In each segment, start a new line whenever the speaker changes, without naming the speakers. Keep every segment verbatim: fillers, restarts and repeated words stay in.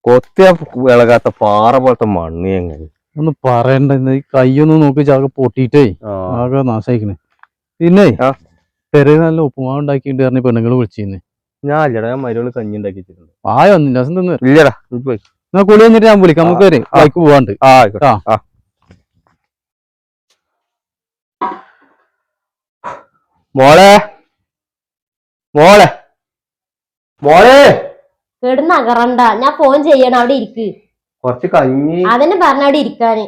കൊത്തിയ ഇളകാത്ത പാറ പോലത്തെ മണ്ണ് എങ്ങനെ
ഒന്ന് പറയണ്ട കയ്യൊന്നും നോക്കി ചാകെ പൊട്ടിയിട്ടേ ആകെ നാശായിക്കണേ. പിന്നെ പെരേ നല്ല ഉപ്പുമാവ് ഉണ്ടാക്കിയിട്ട് പറഞ്ഞ പെണ്ണുങ്ങൾ വിളിച്ചിരുന്നു.
ഞാൻ ഇല്ലടാ, ഞാൻ മരുകൾ കഞ്ഞി ഉണ്ടാക്കി വെച്ചിട്ടുണ്ട്.
ആയ ഒന്നില്ല രസം തിന്നു
ഇല്ലടാ,
എന്നാ കുളി വന്നിട്ട് ഞാൻ വിളിക്കാം. നമുക്ക് വരെ ബൈക്ക് പോവാണ്ട്.
ആ മോളെ മോളെ മോളെ
കിടന്നകറണ്ട, ഞാൻ ഫോൺ ചെയ്യണം. അവിടെ ഇരിക്ക്.
കൊറച്ച് കഞ്ഞി
അതന്നെ പറഞ്ഞ അവിടെ ഇരിക്കാന്.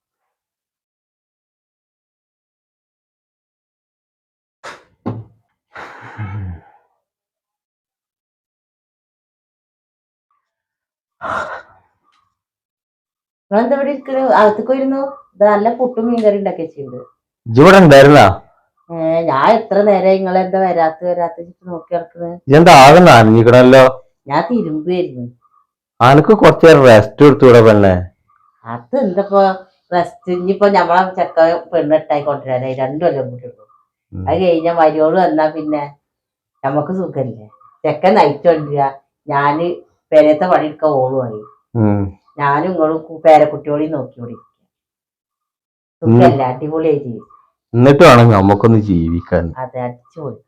നിങ്ങളെന്താ ഇവിടെ ഇരിക്കണു? അകത്തേക്ക് വരുന്നു. ഇത് നല്ല പുട്ടും മീൻകറി ഉണ്ടാക്കി വെച്ചിട്ടുണ്ട്.
ഇവിടെ ഉണ്ടായിരുന്നാ?
ഏഹ് ഞാൻ എത്ര നേരം നിങ്ങളെന്താ വരാത്ത വരാത്ത നോക്കി നടക്കുന്നത്?
എന്താ ആകെ നനഞ്ഞിക്കണല്ലോ.
ഞാൻ തിരുമ്പുമായിരുന്നു.
അനക്ക് കുറച്ചു നേരം റെസ്റ്റ് എടുത്തൂടെ പെണ്ണെ?
അത് എന്താപ്പോ റെസ്റ്റ്? ഇനിയിപ്പോ ഞമ്മളെ ചെക്ക പെണ്ണെട്ടായി കൊണ്ടുവരാനായി രണ്ടു കൊല്ലം കൂടി ഉള്ളൂ. അത് കഴിഞ്ഞ മരിയോള് വന്നാ പിന്നെ നമ്മക്ക് സുഖല്ലേ. ചെക്കൻ നയിച്ചു കൊണ്ടിരിക, ഞാന് പെരയത്തെ പണിയെടുക്കാൻ ഓളുമായി. ഞാനും ഇങ്ങളും പേരക്കുട്ടിയോടെയും നോക്കിയോടിരിക്കുക. സുഖല്ല, അടിപൊളിയായി ജീവിക്കും.
എന്നിട്ട് വേണം നമുക്കൊന്ന് ജീവിക്കാൻ.
അതെ, അടിച്ചുപോയി.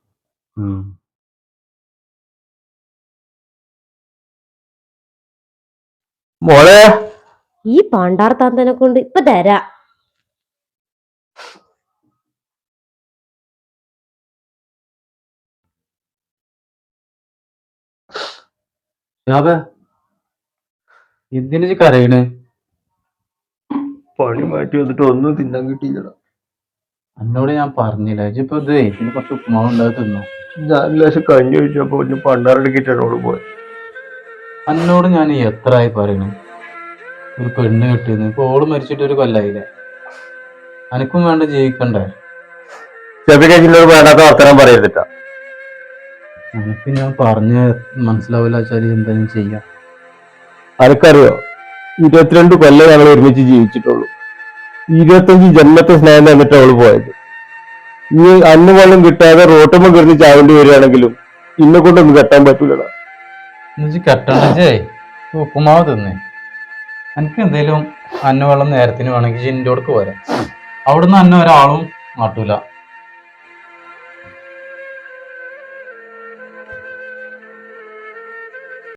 മോളെ,
ഈ പാണ്ടാർ താന്തനെ കൊണ്ട് ഇപ്പൊ തരാ.
എന്തിനു കരയണ്?
പണി മാറ്റി വന്നിട്ട് ഒന്നും തിന്നാൻ കിട്ടിയില്ല.
എന്നോട് ഞാൻ പറഞ്ഞില്ല ഇപ്പൊ ഇത് പിന്നെ കുറച്ച് ഉപ്പുമാവ് ഉണ്ടാക്കി തിന്നു.
ഞാൻ ലേശം കഞ്ഞി ഒഴിച്ചപ്പോ പണ്ടാറടുക്കിട്ടാണ് പോയത്.
എന്നോട് ഞാൻ എത്ര ആയി പറയണു ഒരു പെണ്ണ് കിട്ടിയെന്ന്. ഇപ്പൊ ഓള് മരിച്ചിട്ട് ഒരു കൊല്ലായില്ലേ. അനക്കും വേണ്ട ജീവിക്കണ്ടേ?
ചെറിയ വേണ്ടാത്ത വർത്തമാനം പറയരുതിട്ടാ.
അനക്ക് ഞാൻ പറഞ്ഞ് മനസ്സിലാവില്ല വെച്ചാൽ എന്തായാലും ചെയ്യാം.
അനക്കറിയോ, ഇരുപത്തിരണ്ട് കൊല്ലം ഞങ്ങൾ ഒരുമിച്ച് ജീവിച്ചിട്ടുള്ളൂ. ഇരുപത്തഞ്ച് ജന്മത്തെ സ്നേഹം തന്നിട്ട് അവള് പോയത്. ഈ അന്ന് വെള്ളം കിട്ടാതെ റോട്ടുമ്പോ കിടന്ന് ചാവേണ്ടി വരികയാണെങ്കിലും ഇന്നെ കൊണ്ടൊന്നും കെട്ടാൻ പറ്റൂലടാ.
കെട്ടണ്ടേ ഉപ്പുമാവ് തിന്നേ. എനിക്ക് എന്തേലും അന്ന വെള്ളം നേരത്തിന് വേണമെങ്കിൽ ജിൻ്റെയോടക്ക് പോരാ. അവിടുന്ന് അന്ന ഒരാളും മാട്ടൂല.